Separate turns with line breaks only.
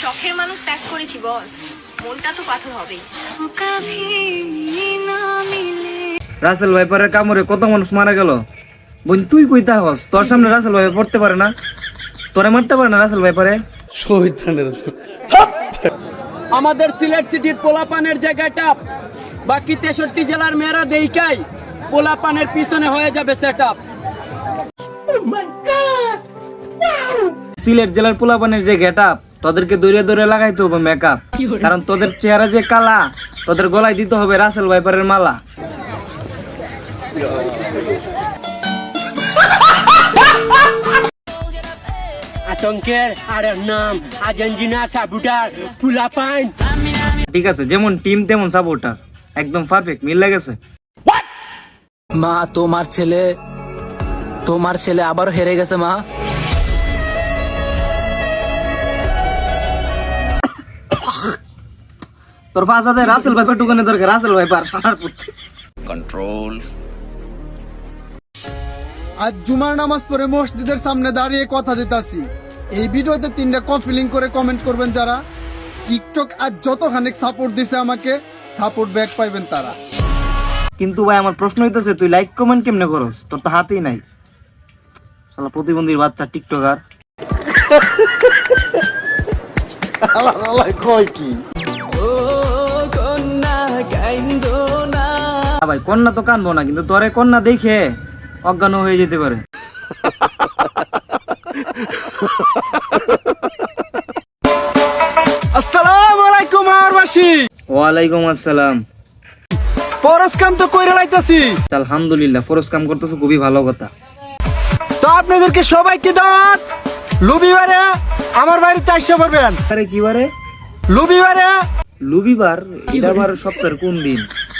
শখের মানুষ ত্যাগ করেছি বস, মনটা তো পাথর হবেই।
রাসেল ভাইপারের কামড়ে কত মানুষ মারা গেল। বোন তুই কইতা হস, তোর সামনে রাসেল ভাই পড়তে পারে না, তোরে মারতে পারে না রাসেল ভাইপারে।
আমাদের সিলেট সিটির পোলাপানের জায়গাটা বাকি 63 জেলার মেয়েরা দেইকাই পোলাপানের পিছনে হয়ে যাবে সেটআপ।
সিলেট জেলার পোলাপানের যে গেটআপ, তোদেরকে দৌড়ে দৌড়ে লাগাইতে হবে মেকআপ, কারণ তোদের চেহারা যে কালা, তোদের গলায় দিতে হবে রাসেল ভাইপারের মালা।
আতঙ্কের আরেক নাম আর্জেন্টিনা সাপোর্টার পোলাপান।
ঠিক আছে, যেমন টিম তেমন সাপোর্টার, একদম পারফেক্ট মিল লেগেছে।
মা তোমার ছেলে আবার হেরে গেছে মা।
তোর ফাঁসাতে রাসেল ভাইপার টুকানে দরকার, রাসেল ভাইপার সারার পুত্র।
कंट्रोल।
আজ জুমার নামাজ পড়ে মসজিদের সামনে দাঁড়িয়ে কথা দিতাছি। এই ভিডিওতে 3টা কপি লিংক করে কমেন্ট করবেন যারা। টিকটক আজ যতখানি সাপোর্ট দিছে আমাকে, সাপোর্ট ব্যাক পাইবেন তারা।
কিন্তু ভাই আমার প্রশ্ন হইতেছে, তুই লাইক কমেন্ট কেমনে করস? তোর তো হাতেই নাই, শালা প্রতিবন্ধীর বাচ্চা টিকটকার।
কয় কি
ভাই কন্যা তো কানবো না, কিন্তু তোরে কন্যা দেখে অজ্ঞান হয়ে যেতে পারে।
আসসালামু আলাইকুম আরবাসী।
ওয়ালাইকুম আসসালাম।
পরশ কাম তো কইরা লাইতাছি।
আলহামদুলিল্লাহ, ফরজ কাম করতেছো, খুবই ভালো কথা।
তো আপনাদেরকে সবাইকে দাওয়াত, লুবিবারে আমার বাড়িতে আসতে পারবেন।
আরে কি বারে?
লুবিবারে
লুবিবার? এটা আবার সপ্তাহের কোন দিন?